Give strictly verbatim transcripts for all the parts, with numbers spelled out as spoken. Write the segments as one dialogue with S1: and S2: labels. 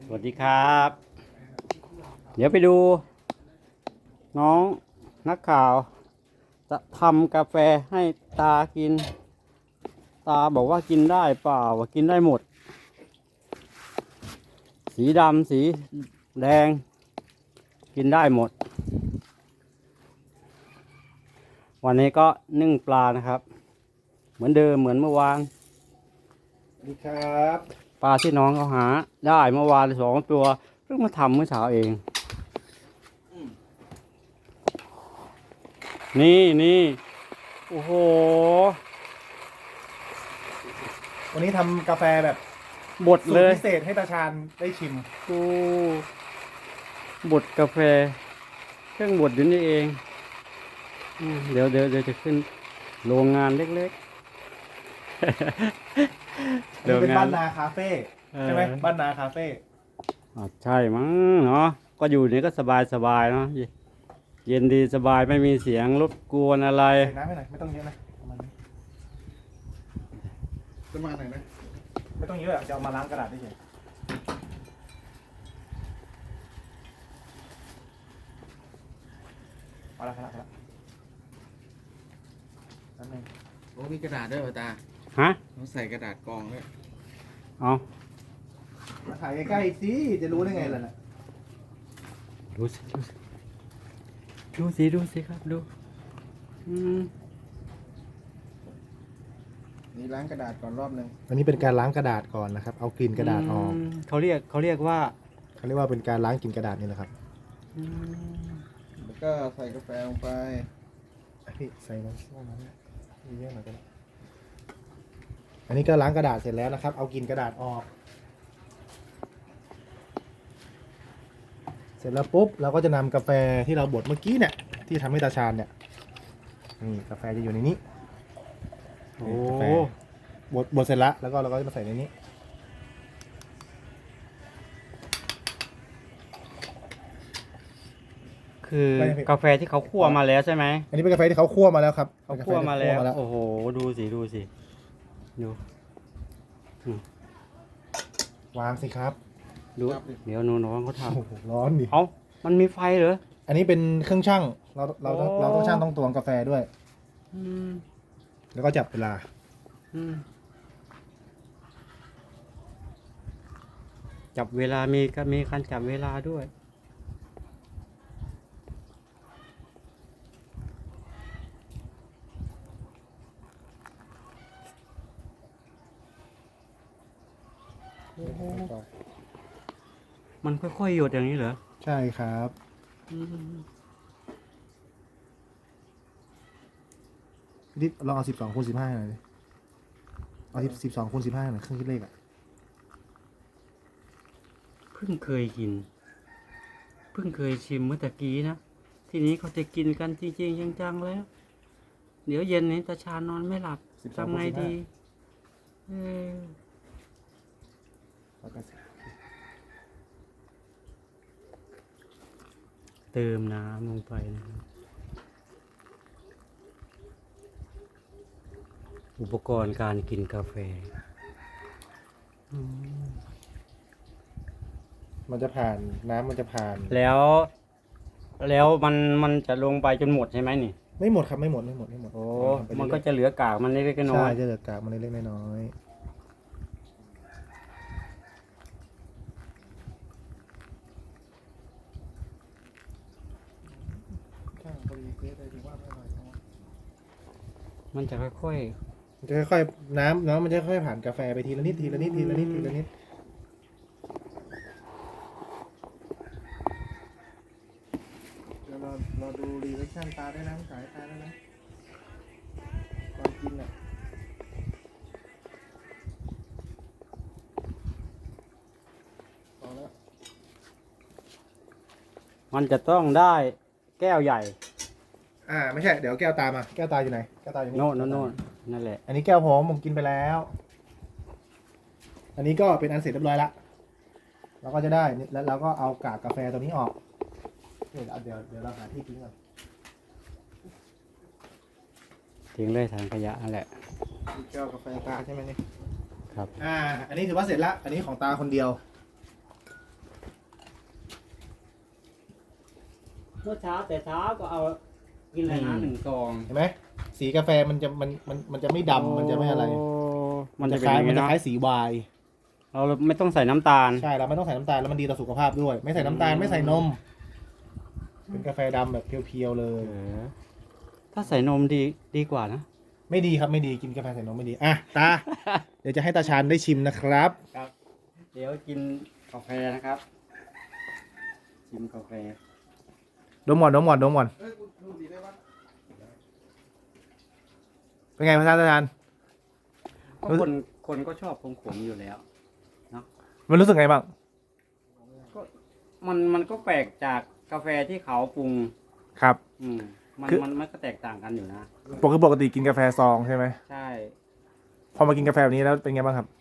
S1: วัสดีครับ เดี๋ยวไปดู น้องนักข่าว จะทำกาแฟให้ตากิน ตาบอกว่ากินได้เปล่าว่ากินได้หมด สีดำสีแดง กินได้หมด วันนี้ก็นึ่งปลานะครับ เหมือนเดิมเหมือนเมื่อวาน
S2: สวัสดีครับ
S1: ปลาที่น้องเขาหาได้เมื่อวานสองตัวเพิ่งมาทำเมื่อเช้าเอง นี่นี่โอ้โห
S2: วันนี้ทำกาแฟแบบ
S1: บด
S2: สูต
S1: เล
S2: ร
S1: ย
S2: พิเศษให้ตาชาญได้ชิม
S1: โอ้บดกาแฟ เครื่องบดอยู่นี่เองอืมเดี๋ยวเดี๋ยวเดี๋ยวจะขึ้นโรงงานเล็ก
S2: อันนี้เป็นบ้านนาคาเฟ่
S1: เออ
S2: ใช่ไหมบ้านนาคาเฟ่
S1: ๆอ่ะใช่มั้งเนาะก็อยู่นี่ก็สบายสบายเนาะเย็นดีสบายไม่มีเสียงรบกวนอะไร
S2: ใส่น้ำให้หน่อยไม่ต้องเยอะนะประมาณนี้ประมาณไหนนะไม่ต้องเยอะอะจะเอามาล้างกระดาษได้เฉยพอละพอละพอละแป๊บนึง
S3: โอ้มีกระดาษด้วยเหรอตา
S1: ฮะ
S3: ต้องใส่กระดาษกรองด้วย
S1: เอา
S2: มาถ่ายใกล้ๆสิจะรู้ได้ไงล่ะน่ะ
S1: ดูสิดูสิดูสิดูสิครับดูอืม
S3: นี่ล้างกระดาษก่อนรอบหนึ่ง
S2: อันนี้เป็นการล้างกระดาษก่อนนะครับเอากลิ่นกระดาษออก
S1: มเขาเรียกเขาเรียกว่า
S2: เขาเรียกว่าเป็นการล้างกลิ่นกระดาษนี่แหละครับ
S1: อืม
S3: แล้วก็ใส่กาแฟลงไป
S2: พี่ใส่น้ำส้มมาเนี่ยมีเยอะหน่อยก็ได้อันนี้ก็ล้างกระดาษเสร็จแล้วนะครับ เอากลิ่นกระดาษออก เสร็จแล้วปุ๊บเราก็จะนำกาแฟที่เราบดเมื่อกี้เนี่ยที่ทำให้ตาชาญเนี่ยนี่กาแฟจะอยู่ในนี้
S1: โอ้
S2: นี่กาแฟบดบดเสร็จแล้วแล้วก็เราก็จะมาใส่ในนี้
S1: คือกาแฟที่เขาคั่วมาแล้วใช่ไหม
S2: อันนี้เป็นกาแฟที่เขาคั่วมาแล้วครับ
S1: เขาคั่วมาแล้ว
S2: เป็นกาฟที่คั่
S1: โอ้โหดูสิดูสิดู
S2: วางสิครับ
S1: ดูเดี๋ยวน้องๆเขาท
S2: โอ้โหร้อนดิ
S1: ำเอ้ามันมีไฟเหรอ
S2: อันนี้เป็นเครื่องชั่งเราเราต้อง
S1: โอ้
S2: เราต้องชั่งต้องตวงกาแฟด้วย
S1: อืม
S2: แล้วก็จับเวลา
S1: อืมจับเวลามีก็มีการจับเวลาด้วย มันค่อยๆหยดอย่างนี้เหรอ
S2: ใช่ครับ
S1: อืม
S2: ดิลองเอาสิบสองคูณสิบห้าหน่อยดิเอาสิบสองคูณสิบห้าหน่อยเครื่องคิดเลขอ่ะ
S1: เพิ่งเคยกิน เพิ่งเคยชิมเมื่อตะกี้นะ ทีนี้เขาจะกินกันจริงๆจังๆแล้ว เดี๋ยวเย็นนี้ตาชานอนไม่หลับทำไงดีเออเติมน้ำลงไปนะครับอุปกรณ์การกินกาแฟอืม
S2: มันจะผ่านน้ำมันจะผ่าน
S1: แล้ว แล้วมันมันจะลงไปจนหมดใช่ไหมนี่
S2: ไม่หมดครับไม่หมดไม่หมดไม่หมด
S1: โอ้
S2: ทำไป
S1: มัน
S2: เรื่
S1: ก็
S2: อย
S1: จะเหลือกากมันเล็กๆ
S2: ๆ
S1: น้
S2: ใช่
S1: อย
S2: จะเหลือกากมันเล็กๆน้อย
S1: ๆมันจะค่อย
S2: ๆมันจะค่อยๆน้ำน้ำมันจะค่อยๆผ่านกาแฟไปทีละนิดทีละนิดทีละนิดทีละนิดเดี๋ยวเราเราดูรีแอคชั่นตาได้นะสายตาได้นะตอนกินอ่ะพอแล้ว
S1: ๆ มันจะต้องได้แก้วใหญ่
S2: อ่าไม่ใช่เดี๋ยวแก้วตามาแก้วตาอยู่ไหนแก้วตาอยู่นี่
S1: โน่นโน่นโน่นนั่นแหละ
S2: อันนี้แก้วผมผมกินไปแล้ว อันนี้ก็เป็นอันเสร็จเรียบร้อยละเราก็จะได้แล้วเราก็เอากากกาแฟตัวนี้ออกเดี๋ยวเดี๋ยวเดี๋ยวเราหาที่ทิ้งก่อน
S1: ทิ้งเลยถังขยะนั่นแหละ
S2: แก้วกาแฟตาใช่ไหมนี่
S1: ครับ
S2: อ่า อันนี้ถือว่าเสร็จละอันนี้ของตาคนเดียว
S1: เมื่อเช้าแต่เช้าก็เอากินอะไรนะหนึ่งซอง
S2: เห็นไหมสีกาแฟมันจะมันมันมันจะไม่ดำมันจะไม่อะไร
S1: โ
S2: มันจะ
S1: เป็
S2: คล้าย
S1: อง
S2: มันจะ
S1: เนาะ
S2: คล้ายสีวาย
S1: เราไม่ต้องใส่น้ำตาล
S2: ใช่เราไม่ต้องใส่น้ำตาลแล้วมันดีต่อสุขภาพด้วย ไม่ใส่น้ำตาลไม่ใส่นม เป็นกาแฟดำแบบเพียวๆเลย
S1: เออถ้าใส่นมดีดีกว่านะ
S2: ไม่ดีครับไม่ดีกินกาแฟใส่นมไม่ดีอ่ะตา เดี๋ยวจะให้ตาชาญได้ชิมนะครับ
S1: ครับ เดี๋ยวกินกาแฟนะครับ ชิมกาแฟ
S2: ดมก่อนดมก่อนดมก่อน
S3: เฮ้ยกูดูดีได้ปะ
S2: เป็นไงพระอาจารย์
S1: ก็คนคนก็ชอบขมๆอยู่แล้ว
S2: มันรู้สึกไงบ้าง
S1: ก็มันมันก็แปลกจากกาแฟที่เขาปรุง
S2: ครับ
S1: อืมมัน
S2: คือ
S1: มันมันก็แตกต่างกันอยู่นะ
S2: ปกติปกติกินกาแฟซองใช่ไหม
S1: ใช่
S2: พอมากินกาแฟแบบนี้แล้วเป็นไงบ้างครับ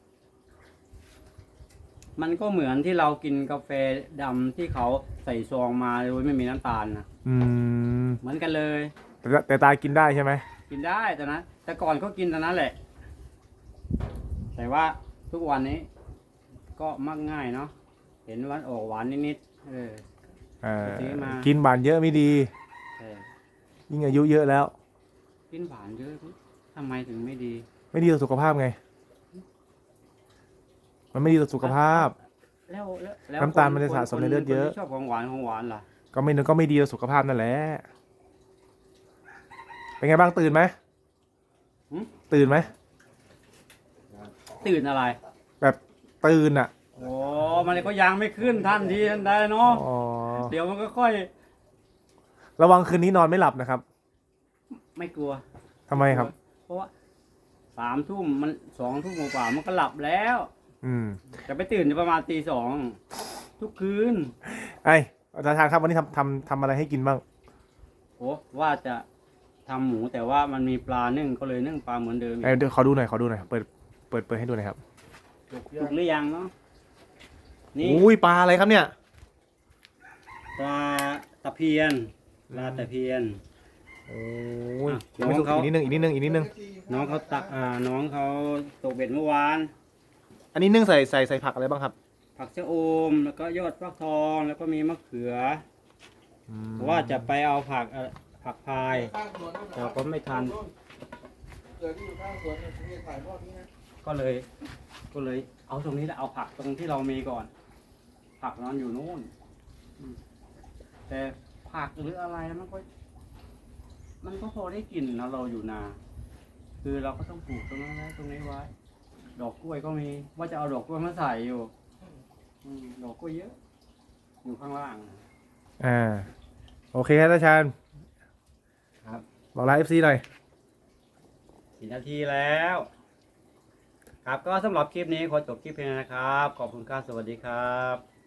S1: มันก็เหมือนที่เรากินกาแฟดำที่เขาใส่ซองมาโดยไม่มีน้ำตาลนะ
S2: อืม
S1: เหมือนกันเลย
S2: แต่แต่ตากินได้ใช่ไหม
S1: กินได้ตอนนั้นแต่ก่อนก็กินตอนนั้นแหละ แต่ว่าทุกวันนี้ ก็มักง่ายเนาะเห็นวันออกหวานนิดๆเออ
S2: เออ
S1: ซื้อมา
S2: กินหวานเยอะไม่ดี
S1: แต่
S2: ยิ่งอายุเยอะแล้ว
S1: กินหวานเยอะทำไมถึงไม่ดี
S2: ไม่ดีต่อสุขภาพไง มันไม่ดีต่อสุขภาพ
S1: แล้วแล้วแล้ว
S2: น้ำตาล
S1: ค
S2: มันจะสะสมในเลือดเยอะ
S1: คนที่ชอบของหวานของหวานล่ะ
S2: ก็ไม่ก็ไม่ดีต่อสุขภาพนั่นแหละ เป็นไงบ้างตื่นไหม
S1: หึ
S2: ตื่นไหม
S1: ตื่นอะไร
S2: แบบตื่นอ่ะ
S1: โอ้มันก็ยังไม่ขึ้นทันทีทันใดเนาะ
S2: อ๋อ
S1: เดี๋ยวมันก็ค่อย
S2: ระวังคืนนี้นอนไม่หลับนะครับ
S1: ไม่กลัว
S2: ทำไมครับ
S1: เพราะว่าสามทุ่มมันสองทุ่มกว่าๆมันก็หลับแล้ว
S2: อืม
S1: จะไปตื่นประมาณตีสองทุกคืน
S2: ไอ้อาจารย์ครับวันนี้ทำทำทำอะไรให้กินบ้าง
S1: โอ้ว่าจะทำหมูแต่ว่ามันมีปลานึ่งก็เลยนึ่งปลาเหมือนเดิมอีก
S2: ไอ้เดี๋ยวขอดูหน่อยขอดูหน่อยเปิดเปิดเปิดให้ดูหน่อยครับ
S1: ถูกหรือยังเนาะนี่
S2: อุ้ยปลาอะไรครับเนี่ย
S1: ปลาตะเพียนปลาตะเพียน
S2: โอ้ย
S1: อ่ะ
S2: ยังไม่สุก
S1: น้องเขา
S2: อีกนิดนึงอีกนิดนึงอีกนิดนึง
S1: น้องเขาตักอ่าน้องเขาตกเบ็ดเมื่อวาน
S2: อันนี้นึ่งใส่ใส่ใส่ผักอะไรบ้างครับ
S1: ผักชะอมแล้วก็ยอดฟักทองแล้วก็มีมะเขือ
S2: อืม
S1: ว่าจะไปเอาผักเอ่อผักพาย
S3: ข้างสวนนั่น
S1: แต่ก็ไม่ทัน
S3: เกิดที่อยู่ข้างสวนเนี่ยผมจะถ่ายทอดนี้นะ
S1: ก็เลย ก็เลย เอาตรงนี้แหละเอาผักตรงที่เรามีก่อน ผักนอนอยู่นู่นอืมแต่ผักหรืออะไรมันก็ มันก็พอได้กินนะเราอยู่นา คือเราก็ต้องปลูกตรงนั้นไว้ตรงนี้ไว้ ดอกกล้วยก็มี ว่าจะเอาดอกกล้วยมาใส่อยู่อืมดอกกล้วยเยอะ อยู่ข้างล่าง
S2: อ่าโอเคครับอาจารย์
S1: ครับ
S2: บอกลาเอฟซีหน่อย
S1: สี่นาทีแล้ว ครับก็สำหรับคลิปนี้ขอจบคลิปเพียงเท่านี้นะครับ ขอบคุณครับ สวัสดีครับ